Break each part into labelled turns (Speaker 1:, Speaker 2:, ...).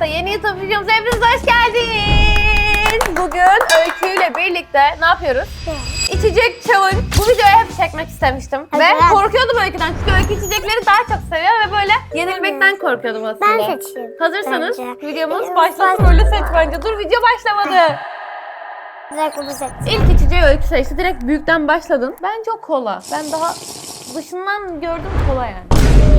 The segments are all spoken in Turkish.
Speaker 1: yeni YouTube videomuza hepiniz hoş geldiniz. Bugün Öykü ile birlikte ne yapıyoruz? İçecek challenge. Bu videoyu hep çekmek istemiştim.
Speaker 2: Evet.
Speaker 1: Ve korkuyordum Öykü'den. Çünkü Öykü içecekleri daha çok seviyor ve böyle yenilmekten korkuyordum aslında.
Speaker 2: Ben seçeyim.
Speaker 1: Hazırsanız
Speaker 2: bence.
Speaker 1: videomuz başlasın. Öyle seç bence. Dur, video başlamadı.
Speaker 2: Direkt onu seç.
Speaker 1: İlk içeceği Öykü seçti. Direkt büyükten başladın. Bence o kola. Ben daha dışından gördüm kola yani.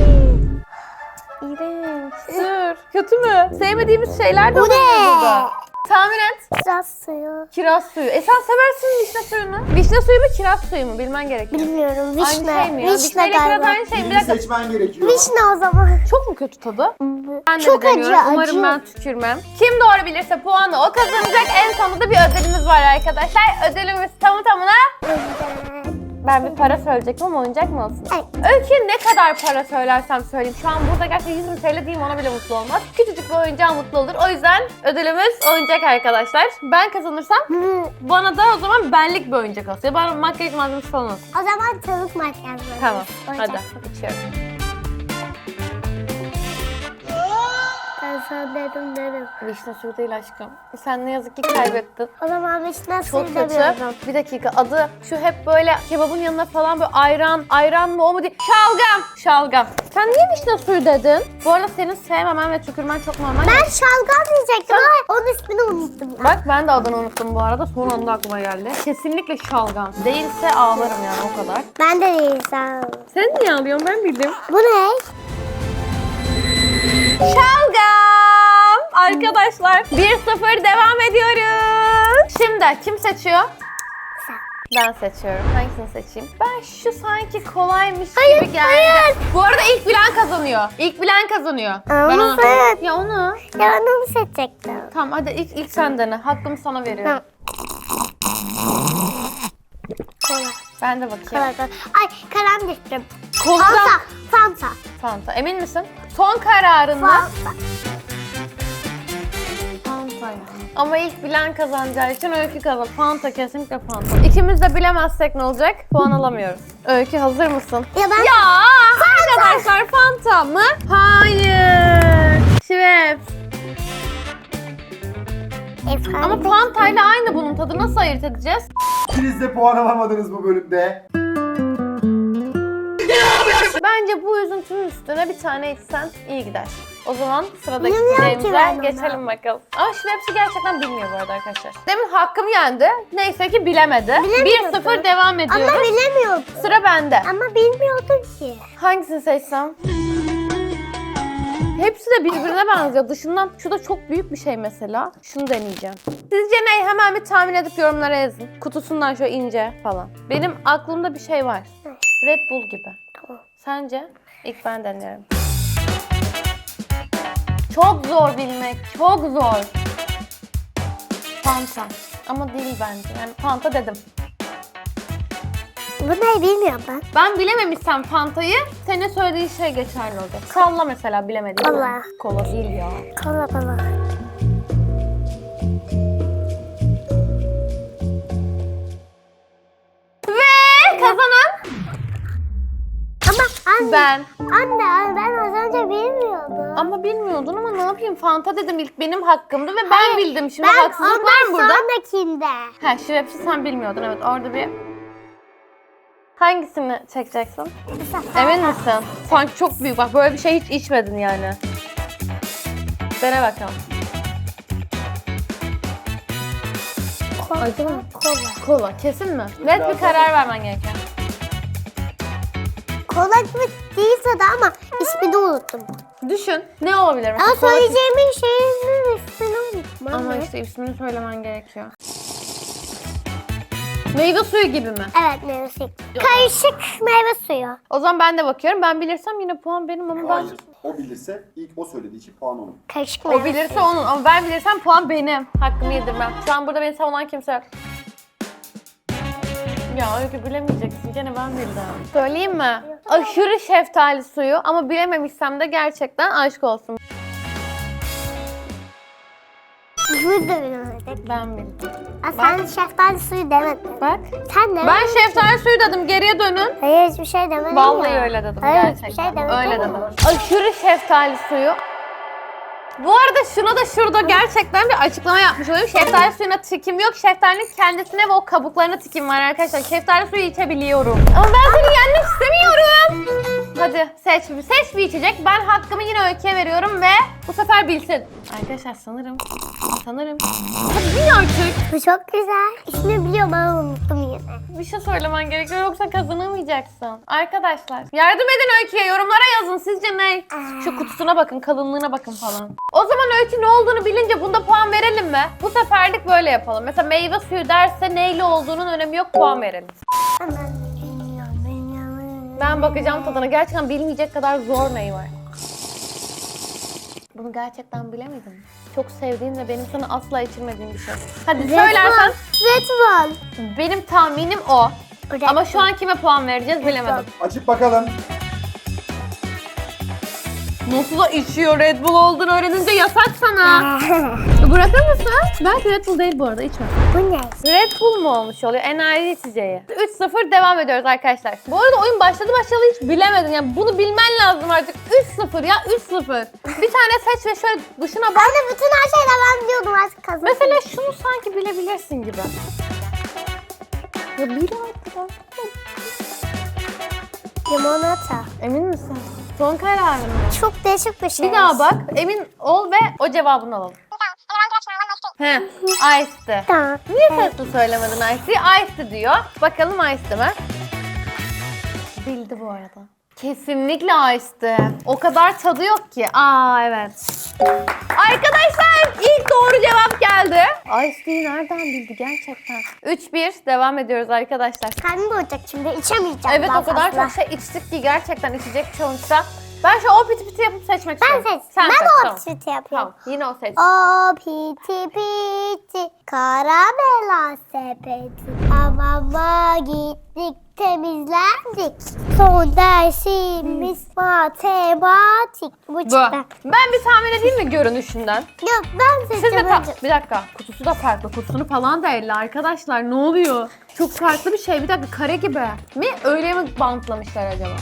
Speaker 1: İğrenç. Dur. Kötü mü? Sevmediğimiz şeyler de
Speaker 2: Bu ne?
Speaker 1: olabilir burada. Tahmin et.
Speaker 2: Kiraz suyu.
Speaker 1: Kiraz suyu. Sen seversin vişne suyunu. Vişne suyu mu kiraz suyu mu bilmen gerekiyor.
Speaker 2: Bilmiyorum. Vişne.
Speaker 1: Aynı şey mi ya?
Speaker 2: Vişne
Speaker 1: Vişneyle kiraz
Speaker 2: galiba.
Speaker 1: aynı şey mi? Bir
Speaker 3: Birini
Speaker 1: dakika.
Speaker 3: seçmen gerekiyor.
Speaker 2: Vişne o zaman.
Speaker 1: Çok mu kötü tadı? Ben de
Speaker 2: Çok
Speaker 1: bir deniyorum.
Speaker 2: acı,
Speaker 1: Umarım
Speaker 2: acı.
Speaker 1: ben tükürmem. Kim doğru bilirse puanı o kazanacak. En sonunda bir ödülümüz var arkadaşlar. Ödülümüz tamı tamına... Ben bir para söyleyecektim ama oyuncak mı olsun?
Speaker 2: Evet.
Speaker 1: Öykü ne kadar para söylersem söyleyeyim. Şu an burada gerçekten 100 bin TL diyeyim ona bile mutlu olmaz. Küçücük bir oyuncağa mutlu olur. O yüzden ödülümüz oyuncak arkadaşlar. Ben kazanırsam bana da o zaman benlik bir oyuncak olsun. Ya bana makyaj malzemesi falan olsun.
Speaker 2: O zaman tavuk makyajı.
Speaker 1: Tamam.
Speaker 2: Oyuncak.
Speaker 1: Hadi içiyorum.
Speaker 2: Ben sana dedim.
Speaker 1: Vişne suyu değil aşkım. Sen ne yazık ki kaybettin.
Speaker 2: O zaman vişne suyu
Speaker 1: Çok kötü.
Speaker 2: demiyorum.
Speaker 1: Bir dakika, adı şu hep böyle kebabın yanına falan böyle ayran mı o mu değil. Şalgam. Sen niye vişne suyu dedin? Bu arada senin sevmemen ve tükürmen çok normal.
Speaker 2: Ben şalgam diyecektim ama onun ismini unuttum.
Speaker 1: Bak ben de adını unuttum bu arada. Son anda aklıma geldi. Kesinlikle şalgam. Değilse ağlarım yani o kadar.
Speaker 2: Ben de değil sen.
Speaker 1: Sen niye ağlıyorsun, ben bildim.
Speaker 2: Bu ne?
Speaker 1: Şalgam! Arkadaşlar 1-0 devam ediyoruz. Şimdi kim seçiyor?
Speaker 2: Sen.
Speaker 1: Ben seçiyorum. Hangisini seçeyim? Ben şu sanki kolaymış
Speaker 2: Hayır,
Speaker 1: gibi geldi.
Speaker 2: hayır.
Speaker 1: Bu arada ilk bilen kazanıyor. Ben
Speaker 2: Onu sen.
Speaker 1: Ya onu.
Speaker 2: Ya ben onu seçecektim.
Speaker 1: Tamam hadi ilk sen dene. Hakkımı sana veriyorum.
Speaker 2: Kola.
Speaker 1: Ben de bakayım.
Speaker 2: Kola. Ay kalem düştüm.
Speaker 1: Kola.
Speaker 2: Fanta.
Speaker 1: Fanta. Emin misin? Son kararın mı?
Speaker 2: Fanta.
Speaker 1: Fanta. Ama ilk bilen kazanacağı için Öykü kazan. Fanta, kesinlikle Fanta. İkimiz de bilemezsek ne olacak? Puan alamıyoruz. Öykü hazır mısın?
Speaker 2: Ya ben...
Speaker 1: Ya arkadaşlar Fanta mı? Hayır. Schweppes. Ama Fanta ile aynı bunun tadı. Nasıl ayırt edeceğiz?
Speaker 3: İkiniz de puan alamadınız bu bölümde.
Speaker 1: Bence bu üzüntünün üstüne bir tane içsen iyi gider. O zaman sıradaki
Speaker 2: Bilmiyorum ki
Speaker 1: içeceğimize
Speaker 2: ben onu.
Speaker 1: geçelim bakalım. Ama Schweppes'i gerçekten bilmiyor bu arada arkadaşlar. Demin hakkım yendi. Neyse ki bilemedi.
Speaker 2: Bilemiyordu.
Speaker 1: 1-0 devam ediyoruz.
Speaker 2: Ama bilemiyordum.
Speaker 1: Sıra bende.
Speaker 2: Ama bilmiyordum ki.
Speaker 1: Hangisini seçsem? Hepsi de birbirine benziyor. Dışından şu da çok büyük bir şey mesela. Şunu deneyeceğim. Sizce ne? Hemen bir tahmin edip yorumlara yazın. Kutusundan şöyle ince falan. Benim aklımda bir şey var. Red Bull gibi.
Speaker 2: Tamam.
Speaker 1: Sence? İlk ben deniyorum. Çok zor bilmek. Çok zor. Fanta. Ama değil bence. Yani Fanta dedim.
Speaker 2: Bu ne bilmiyorum ben.
Speaker 1: Ben bilememişsem Fanta'yı, senin söylediğin şey geçerli olacak. Salla mesela bilemediğin.
Speaker 2: Kola.
Speaker 1: Kola değil ya.
Speaker 2: Kola.
Speaker 1: Ve kazanan
Speaker 2: Ama anne.
Speaker 1: ben.
Speaker 2: Anne ben az önce bilmiyordum.
Speaker 1: Ama bilmiyordun ama ne yapayım? Fanta dedim, ilk benim hakkımdı ve ben bildim. Şimdi
Speaker 2: Ben
Speaker 1: haksızlık var mı
Speaker 2: ondan
Speaker 1: burada?
Speaker 2: sonrakinde.
Speaker 1: Ha, Schweppes'i sen bilmiyordun, evet, orada bir... Hangisini çekeceksin? Emin misin? Sanki çok büyük, bak böyle bir şey hiç içmedin yani. Dene bakalım. Acı mı? Kola, kesin mi? Net bir karar vermen gereken.
Speaker 2: Kola gibi değil tadı ama ismini unuttum.
Speaker 1: Düşün, ne olabilir mesela?
Speaker 2: Ama söyleyeceğimin şeyinin ismini unuttum.
Speaker 1: Ama işte ismini söylemen gerekiyor. Meyve suyu gibi mi?
Speaker 2: Evet meyve suyu. Karışık meyve suyu.
Speaker 1: O zaman ben de bakıyorum. Ben bilirsem yine puan benim ama ben...
Speaker 3: Hayır. O bilirse ilk o söylediği için puan onun.
Speaker 2: Karışık meyve
Speaker 1: O bilirse onun ama ben bilirsem puan benim. Hakkımı yedirmem. Şu an burada beni savunan kimse yok. Ya Öykü bilemeyeceksin. Gene ben bildim. Söyleyeyim mi? Aşırı şeftali suyu ama bilememişsem de gerçekten aşk olsun.
Speaker 2: Bunu da bilemedik.
Speaker 1: Ben bildim.
Speaker 2: Sen şeftali suyu demedin.
Speaker 1: Bak.
Speaker 2: Sen demedin.
Speaker 1: Ben şeftali suyu dedim. Geriye dönün.
Speaker 2: Hayır hiçbir şey demedin
Speaker 1: Vallahi
Speaker 2: ya.
Speaker 1: öyle dedim
Speaker 2: Hayır,
Speaker 1: gerçekten.
Speaker 2: hiçbir şey demedin
Speaker 1: Öyle
Speaker 2: ama.
Speaker 1: dedim. Aşırı şeftali suyu. Bu arada şuna da şurada gerçekten bir açıklama yapmış olayım. Şeftali suyuna tikim yok. Şeftalinin kendisine ve o kabuklarına tikim var arkadaşlar. Şeftali suyu içebiliyorum. Ama ben seni yenmek istemiyorum. Hadi seç bir içecek. Ben hakkımı yine Öykü'ye veriyorum ve bu sefer bilsin. Arkadaşlar sanırım. Hadi bil artık.
Speaker 2: Bu çok güzel. İsmini biliyorum ama unuttum yine.
Speaker 1: Bir şey söylemen gerekiyor yoksa kazanamayacaksın. Arkadaşlar yardım edin Öykü'ye, yorumlara yazın. Sizce ne? Şu kutusuna bakın, kalınlığına bakın falan. O zaman Öykü ne olduğunu bilince bunda puan verelim mi? Bu seferlik böyle yapalım. Mesela meyve suyu derse neyle olduğunun önemi yok, puan verelim. Ben bakacağım tadına. Gerçekten bilmeyecek kadar zor neyi var. Bunu gerçekten bilemedim. Çok sevdiğim ve benim sana asla içirmediğim bir şey. Hadi söylersen.
Speaker 2: Red Bull.
Speaker 1: Benim tahminim o.
Speaker 2: Red
Speaker 1: Ama şu an kime puan vereceğiz bilemedim.
Speaker 3: Açıp bakalım.
Speaker 1: Nasıl da içiyor, Red Bull olduğunu öğrenince yasak sana. Bırakır mısın? Belki Red Bull değil bu arada, içme.
Speaker 2: Bu ne?
Speaker 1: Red Bull mu olmuş oluyor? Enerji içeceği. 3-0 devam ediyoruz arkadaşlar. Bu arada oyun başladı hiç bilemedin. Yani bunu bilmen lazım artık. 3-0 ya, 3-0. Bir tane seç ve şöyle dışına bak.
Speaker 2: Ben de bütün her şeyden ben biliyordum artık kazandım.
Speaker 1: Mesela şunu sanki bilebilirsin gibi. Ya bil artık.
Speaker 2: Limonata.
Speaker 1: Emin misin? Son kararın mı?
Speaker 2: Çok değişik bir şey.
Speaker 1: Bir daha bak, emin ol ve o cevabını alalım. He, Ice'ti.
Speaker 2: Tamam.
Speaker 1: Niye sesli söylemedin Ice'yi? Ice'ti diyor. Bakalım Ice'ti mi? Bildi bu arada. Kesinlikle Ice'ti. O kadar tadı yok ki. Aa evet. Arkadaşlar ilk doğru cevap geldi. Ice'yi nereden bildi gerçekten? 3-1 devam ediyoruz arkadaşlar.
Speaker 2: Karnım doyacak şimdi içemeyeceğim.
Speaker 1: Evet
Speaker 2: daha
Speaker 1: o kadar
Speaker 2: fazla.
Speaker 1: çok şey içtik ki gerçekten içecek challenge'da. Ben şu o piti piti yapıp seçmek
Speaker 2: Ben
Speaker 1: istiyorum.
Speaker 2: seç.
Speaker 1: Sen
Speaker 2: Ben
Speaker 1: seç,
Speaker 2: de
Speaker 1: tamam.
Speaker 2: o piti yapıyorum.
Speaker 1: Tamam yine o seç.
Speaker 2: O piti piti karamela sepeti. Hamama gittik temizlendik. Son dersimiz matematik. Bu çıktı.
Speaker 1: Ben bir tahmin edeyim mi görünüşünden?
Speaker 2: Yok ben
Speaker 1: Siz de
Speaker 2: seçeceğim.
Speaker 1: bir dakika. Kutusu da farklı. Kutusunu falan da elle arkadaşlar. Ne oluyor? Çok farklı bir şey. Bir dakika kare gibi. Mi? Öyle mi bantlamışlar acaba?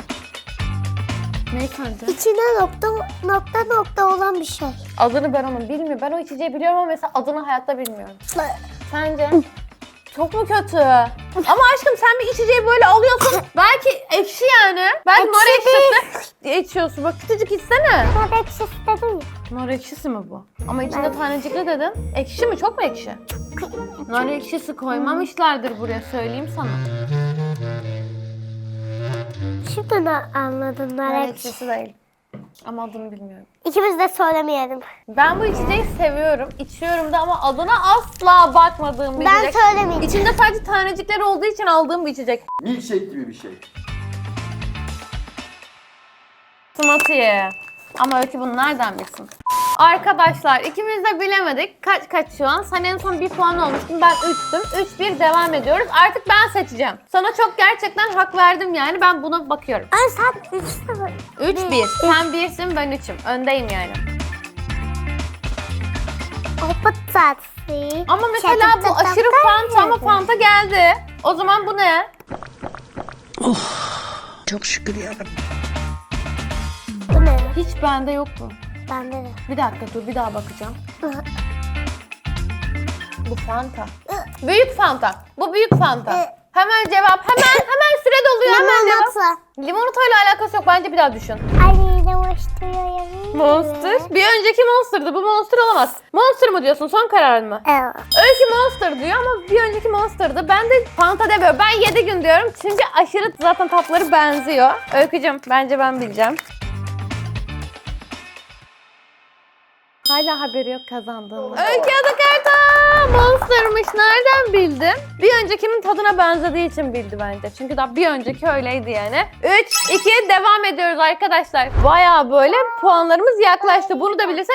Speaker 1: Ne sence?
Speaker 2: İçine nokta olan bir şey.
Speaker 1: Adını ben onun bilmiyorum. Ben o içeceği biliyorum ama mesela adını hayatta bilmiyorum. Sence? Çok mu kötü? Ama aşkım sen bir içeceği böyle alıyorsun. Belki ekşi yani. Belki nar ekşisi içiyorsun. Bak küçücük içsene.
Speaker 2: Nar ekşisi dedim ya.
Speaker 1: Nar ekşisi mi bu? Ama içinde tanecikli dedin. Ekşi mi? Çok mu ekşi? Nar ekşisi koymamışlardır buraya söyleyeyim sana.
Speaker 2: Şimdi anladım nar
Speaker 1: Nar
Speaker 2: ekşisi.
Speaker 1: ekşisi değil. Ama adını bilmiyorum.
Speaker 2: İkimiz de söylemeyelim.
Speaker 1: Ben bu içeceği seviyorum. İçiyorum da ama adına asla bakmadığım bir
Speaker 2: Ben
Speaker 1: içecek.
Speaker 2: söylemeyeceğim.
Speaker 1: İçinde sadece tanecikler olduğu için aldığım bir içecek.
Speaker 3: Milkshake gibi bir şey.
Speaker 1: Smoothie. Ama Öykü bunu nereden bilsin? Arkadaşlar ikimiz de bilemedik. Kaç şu an? Sen en son 1 puan olmuştun. Ben 3'tüm. 3-1 devam ediyoruz. Artık ben seçeceğim. Sana çok gerçekten hak verdim yani. Ben buna bakıyorum.
Speaker 2: Ay sen 3-0.
Speaker 1: 3-1. Sen 1'sin ben 3'üm. Öndeyim yani.
Speaker 2: O tatlı.
Speaker 1: Ama mesela bu aşırı Fanta ama Fanta geldi. O zaman bu ne?
Speaker 4: Çok şükür yarabbim.
Speaker 2: Bu ne?
Speaker 1: Hiç bende yok bu.
Speaker 2: Bende de.
Speaker 1: Bir dakika dur bir daha bakacağım. Bu Fanta. Büyük Fanta. Bu büyük Fanta. Hemen cevap. Hemen süre doluyor. Hemen cevap.
Speaker 2: Limonata.
Speaker 1: Limonatayla alakası yok. Bence bir daha düşün.
Speaker 2: Ay limonata.
Speaker 1: Monster. Bir önceki Monster'dı. Bu Monster olamaz. Monster mı diyorsun? Son kararın mı?
Speaker 2: Evet.
Speaker 1: Öykü Monster diyor ama bir önceki Monster'dı. Ben de Fanta demiyorum. Ben 7 gün diyorum. Çünkü aşırı zaten tatları benziyor. Öykücüm bence ben bileceğim. Hala haberi yok kazandığımda. Öykü Adakarta Monster'mış. Nereden bildin? Bir öncekinin tadına benzediği için bildi bence. Çünkü daha bir önceki öyleydi yani. 3-2 devam ediyoruz arkadaşlar. Bayağı böyle puanlarımız yaklaştı. Bunu da bilirsen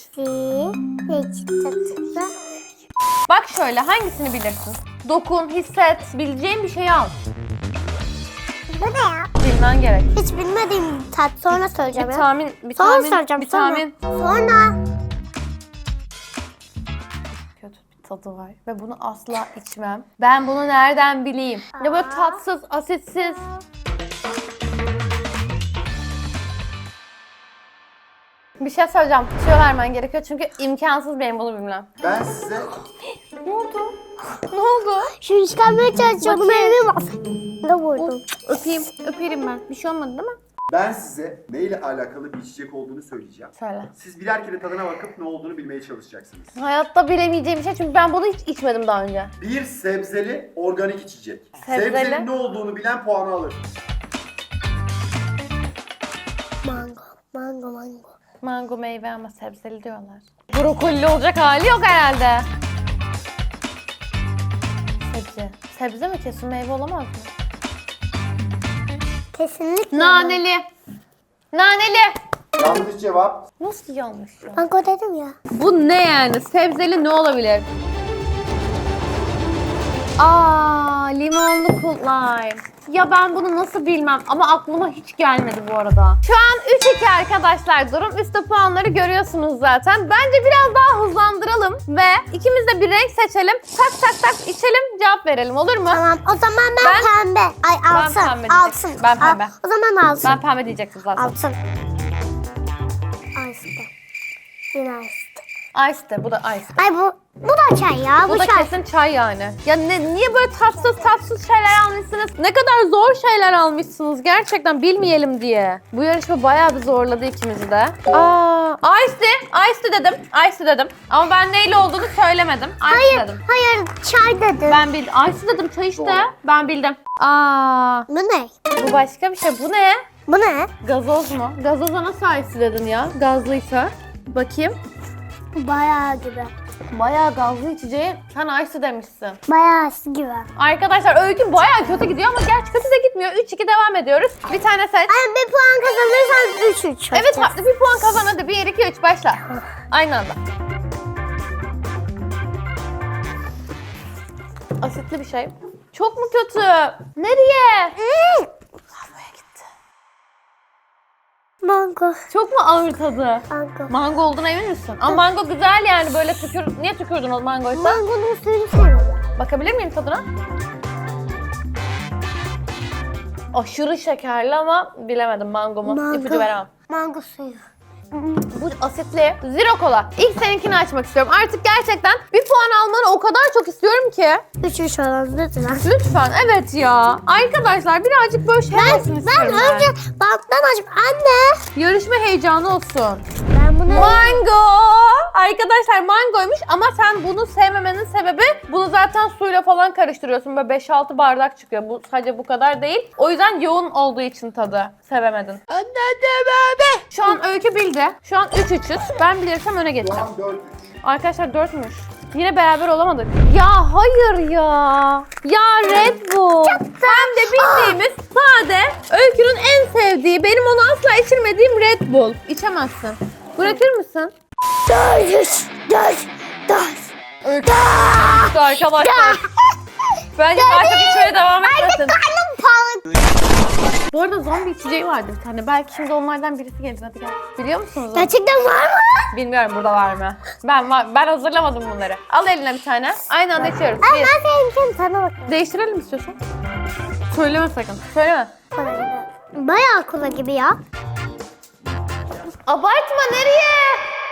Speaker 1: 3-3. Bak şöyle hangisini bilirsin? Dokun, hisset, bileceğin bir şeyi al.
Speaker 2: Bu ne ya?
Speaker 1: Bilmen gerek.
Speaker 2: Hiç bilmediğim tat sonra söyleyeceğim
Speaker 1: Bir
Speaker 2: ya.
Speaker 1: tahmin, bir
Speaker 2: Sonra
Speaker 1: tahmin,
Speaker 2: soracağım,
Speaker 1: bir
Speaker 2: sonra.
Speaker 1: tahmin.
Speaker 2: Sonra.
Speaker 1: Kötü bir tadı var ve bunu asla içmem. Ben bunu nereden bileyim? Ya böyle tatsız, asitsiz. Bir şey söyleyeceğim. Tüyo vermen gerekiyor çünkü imkansız benim bunu bilmem.
Speaker 3: Ben size
Speaker 1: Ne oldu? Ne oldu?
Speaker 2: Şunu çıkarmaya çalışıyorum.
Speaker 1: Bakayım.
Speaker 2: Elime bas. Ne vurdum?
Speaker 1: Öpeyim. Öperim ben. Bir şey olmadı değil mi?
Speaker 3: Ben size neyle alakalı bir içecek olduğunu söyleyeceğim.
Speaker 1: Söyle.
Speaker 3: Siz birer kere tadına bakıp ne olduğunu bilmeye çalışacaksınız.
Speaker 1: Hayatta bilemeyeceğim bir şey çünkü ben bunu hiç içmedim daha önce.
Speaker 3: Bir sebzeli organik içecek.
Speaker 1: Sebzeli?
Speaker 3: Sebzenin ne olduğunu bilen puanı alır.
Speaker 2: Mango. Mango mango.
Speaker 1: Mango meyve ama sebzeli diyorlar. Brokoli olacak hali yok herhalde. Sebze. Sebze mi kesin meyve olamaz mı?
Speaker 2: Kesinlikle.
Speaker 1: Naneli. Naneli.
Speaker 3: Yanlış cevap.
Speaker 1: Nasıl yanlış ya?
Speaker 2: Mango dedim ya.
Speaker 1: Bu ne yani? Sebzeli ne olabilir? Aa, limonlu cool lime. Ya ben bunu nasıl bilmem ama aklıma hiç gelmedi bu arada. Şu an 3-2 arkadaşlar durum. Üstte puanları görüyorsunuz zaten. Bence biraz daha hızlandıralım ve ikimiz de bir renk seçelim. Tak tak tak içelim, cevap verelim, olur mu?
Speaker 2: Tamam. O zaman ben pembe. Ay altın.
Speaker 1: pembe diyecektim.
Speaker 2: Altın.
Speaker 1: Ben pembe.
Speaker 2: O zaman altın.
Speaker 1: Ben pembe diyecektim zaten.
Speaker 2: Altın. Ice'de. Yine ice'de.
Speaker 1: Ice'de, bu da ice.
Speaker 2: Ay bu da çay ya.
Speaker 1: Bu da
Speaker 2: çay.
Speaker 1: kesin çay yani. Ya niye böyle tatsız şeyler almışsınız? Ne kadar zor şeyler almışsınız gerçekten bilmeyelim diye. Bu yarışma bayağı bir zorladı ikimizi de. Ice dedim. Ice dedim. Ama ben neyle olduğunu söylemedim. Ice
Speaker 2: Hayır.
Speaker 1: dedim.
Speaker 2: Hayır. Çay dedim.
Speaker 1: Ben bildim. Ice dedim çay işte.
Speaker 3: Doğru.
Speaker 1: Ben bildim.
Speaker 2: Bu ne?
Speaker 1: Bu başka bir şey. Bu ne?
Speaker 2: Bu ne?
Speaker 1: Gazoz mu? Gazoza nasıl ice dedin ya? Gazlıysa. Bakayım.
Speaker 2: Bu bayağı gibi.
Speaker 1: Bayağı gazlı içeceği sen ice demişsin.
Speaker 2: Bayağı gibi.
Speaker 1: Arkadaşlar öykü bayağı kötü gidiyor ama gerçi kötü de gitmiyor. 3-2 devam ediyoruz. Bir tane seç.
Speaker 2: Ay bir puan kazanırsan 3-3.
Speaker 1: Evet farklı bir puan kazan hadi. 1, 2, 3 başla. Aynı anda. Asitli bir şey. Çok mu kötü? Nereye? Lavaboya gitti.
Speaker 2: Mango.
Speaker 1: Çok mu ağır tadı?
Speaker 2: Mango.
Speaker 1: Mango olduğuna emin misin? Ama mango güzel yani böyle Niye tükürdün o mangoysa?
Speaker 2: Mangonun suyunu seviyorum.
Speaker 1: Bakabilir miyim tadına? Aşırı şekerli ama bilemedim mango mu? İpucu veremem.
Speaker 2: Mango suyu.
Speaker 1: Bu asitli zero kola. İlk seninkini açmak istiyorum. Artık gerçekten bir puan almanı o kadar çok istiyorum ki.
Speaker 2: 3-3 olan lütfen.
Speaker 1: Lütfen evet ya. Arkadaşlar birazcık böyle şey olsun
Speaker 2: Ben
Speaker 1: istiyorum
Speaker 2: önce banttan açıp anne.
Speaker 1: Yarışma heyecanı olsun.
Speaker 2: Ben bunu
Speaker 1: Mango! Arkadaşlar mangoymuş ama sen bunu sevmemenin sebebi bunu zaten suyla falan karıştırıyorsun. Böyle 5-6 bardak çıkıyor. Bu sadece bu kadar değil. O yüzden yoğun olduğu için tadı sevemedin. Anne de Şu an Öykü bildi. Şu an 3-3'üz. Ben bilirsem öne
Speaker 3: Şu
Speaker 1: geçeceğim.
Speaker 3: an 4-3.
Speaker 1: Arkadaşlar 4'müş. Yine beraber olamadık. Ya hayır ya. Ya Red Bull. Hem de bildiğimiz sade Öykü'nün en sevdiği, benim onu asla içirmediğim Red Bull. İçemezsin. Bırakır mısın?
Speaker 2: 4-3.
Speaker 1: Öykü. Arkadaşlar. Bence daha çok içmeye devam etmesin.
Speaker 2: Karnım pahalı.
Speaker 1: Bu arada zombi içeceği vardı bir tane. Belki şimdi onlardan birisi gelir. Hadi gel. Biliyor musunuz onu?
Speaker 2: Gerçekten var mı?
Speaker 1: Bilmiyorum burada var mı? Ben hazırlamadım bunları. Al eline bir tane. Aynı anda içiyoruz.
Speaker 2: Ay
Speaker 1: Bir.
Speaker 2: ben seninkini sana bakıyorum.
Speaker 1: Değiştirelim istiyorsan. Söyleme sakın. Söyleme.
Speaker 2: Kola gibi. Bayağı kola gibi ya.
Speaker 1: Abartma nereye?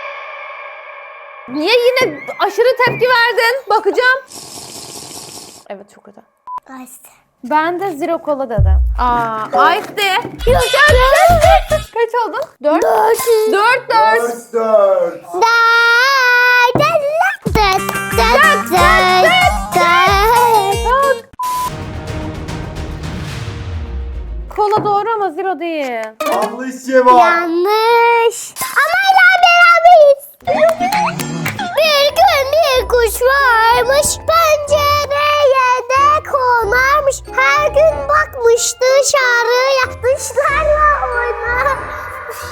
Speaker 1: Niye yine aşırı tepki verdin? Bakacağım. Evet çok kötü.
Speaker 2: Ice.
Speaker 1: Ben de zero kola dedim. Ice de. Kaç oldun? 4. 4.
Speaker 3: 4-4.
Speaker 1: Kola doğru ama zero değil.
Speaker 3: Yanlış cevap.
Speaker 2: Yanlış. Ama hala beraberiz. Bir gün bir kuş varmış, pencereye de konarmış. Her gün bakmış dışarıya, dışlarla oynarmış.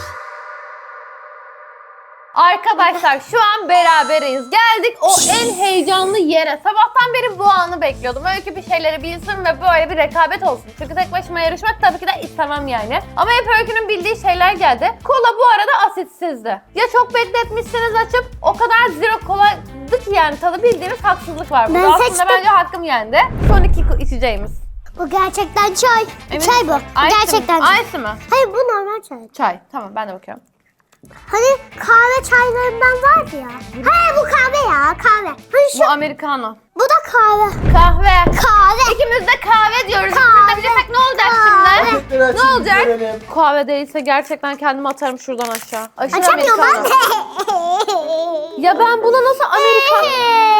Speaker 1: Arkadaşlar şu an beraberiz. Geldik o en heyecanlı yere. Sabahtan beri bu anı bekliyordum. Öykü bir şeyleri bilsin ve böyle bir rekabet olsun. Çünkü tek başıma yarışmak tabii ki de istemem yani. Ama hep Öykü'nün bildiği şeyler geldi. Kola bu arada asitsizdi. Ya çok bekletmişsiniz açıp o kadar zero koladı ki yani tadı bildiğiniz haksızlık var burada.
Speaker 2: Ben
Speaker 1: Aslında
Speaker 2: seçtim.
Speaker 1: bence hakkım yendi. Son iki içeceğimiz.
Speaker 2: Bu gerçekten çay.
Speaker 1: Emin
Speaker 2: Çay
Speaker 1: misin?
Speaker 2: bu.
Speaker 1: Ice
Speaker 2: Gerçekten
Speaker 1: mi?
Speaker 2: çay.
Speaker 1: Ice mi?
Speaker 2: Hayır bu normal çay.
Speaker 1: Çay. Tamam ben de bakıyorum.
Speaker 2: Hani kahve çaylarından var ya. Hayır bu kahve ya kahve. Hani şu
Speaker 1: Bu americano.
Speaker 2: bu da kahve.
Speaker 1: Kahve.
Speaker 2: Kahve.
Speaker 1: İkimiz de kahve diyoruz.
Speaker 2: Kahve.
Speaker 1: İkimiz de bilirsek ne olacak
Speaker 2: Kahve.
Speaker 1: şimdi?
Speaker 3: Paketleri açın,
Speaker 1: Ne olacak?
Speaker 3: görelim.
Speaker 1: Kahve değilse gerçekten kendimi atarım şuradan aşağı. Aşağı
Speaker 2: Açamıyorum ben.
Speaker 1: americano. Ya ben buna nasıl americano?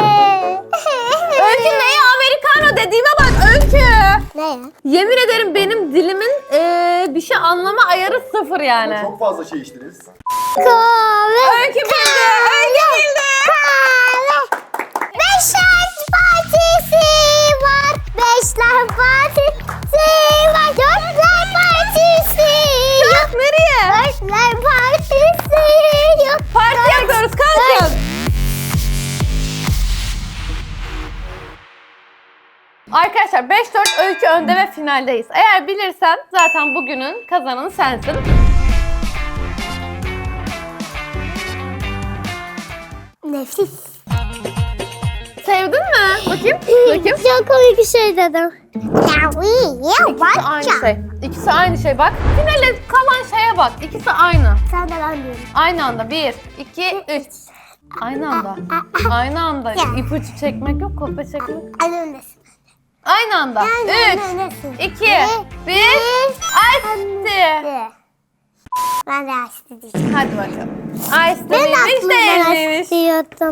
Speaker 1: Öykü neye americano dediğime bak Öykü.
Speaker 2: Ne ya?
Speaker 1: Yemin ederim benim dilimin bir şey anlama ayarı sıfır yani.
Speaker 3: Çok fazla şey içtiniz.
Speaker 2: Kahve.
Speaker 1: Öykü bildi. Öykü bildi.
Speaker 2: Kahve. Beşler partisi var. Beşler partisi var. Dörtler partisi yok.
Speaker 1: Nereye?
Speaker 2: Dörtler partisi yok.
Speaker 1: Parti yapıyoruz kalkın. Arkadaşlar 5-4 Öykü önde ve finaldeyiz. Eğer bilirsen zaten bugünün kazananı sensin.
Speaker 2: Nefis.
Speaker 1: Sevdin mi? Bakayım. Bakayım.
Speaker 2: Çok komik bir şey dedim. Ya iyi ya
Speaker 1: İkisi aynı şey. İkisi aynı şey bak. Finale kalan şeye bak. İkisi aynı.
Speaker 2: Sen de ben diyorum.
Speaker 1: Aynı anda. 1, 2, 3. Aynı anda. Aynı anda.
Speaker 2: Ya.
Speaker 1: İpucu çekmek yok, kopya çekmek.
Speaker 2: Önündesin.
Speaker 1: Aynı anda.
Speaker 2: Yani
Speaker 1: 3,
Speaker 2: önündesin.
Speaker 1: 2, 1. Açtı.
Speaker 2: Ben de açtı diyeceğim.
Speaker 1: Hadi bakalım. Açtı
Speaker 2: Ben de
Speaker 1: mıymış değil
Speaker 2: aklımdan
Speaker 1: miymiş?
Speaker 2: açtıyordum.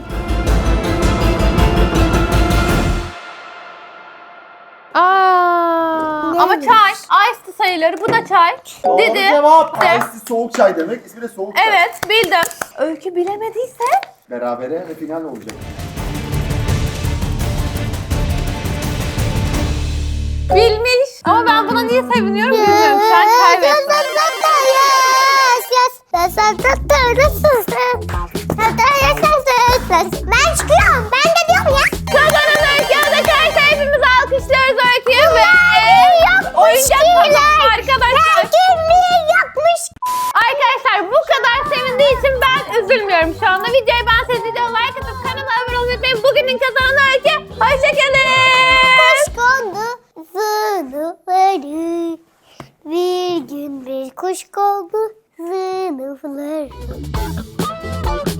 Speaker 1: Ama
Speaker 2: Neymiş?
Speaker 1: çay. Ice sayıları. Bu da çay.
Speaker 3: Doğru
Speaker 1: Dedi.
Speaker 3: cevap.
Speaker 1: De.
Speaker 3: Ice soğuk çay demek. İsmi de soğuk çay.
Speaker 1: Evet bildim. Öykü bilemediyse
Speaker 3: Berabere ve final olacak.
Speaker 1: bilmiş. Ama ben buna niye seviniyorum bilmiyorum. Sen kaybettin.
Speaker 2: Ben çıkıyorum. Ben de diyorum ya.
Speaker 1: Kazanan Öykü Adakay'sa hepimiz alkışlıyoruz Öykü'yü ve oyuncak kazandı arkadaşlar.
Speaker 2: Yapmış.
Speaker 1: Arkadaşlar bu kadar sevindiği için ben üzülmüyorum şu anda. Videoyu beğenseniz videoya like atıp kanala abone olmayı unutmayın. Bugünün kazananı Öykü. Hoşçakalın.
Speaker 2: Kuş kondu sınıfları. Bir gün bir kuş kondu sınıfları.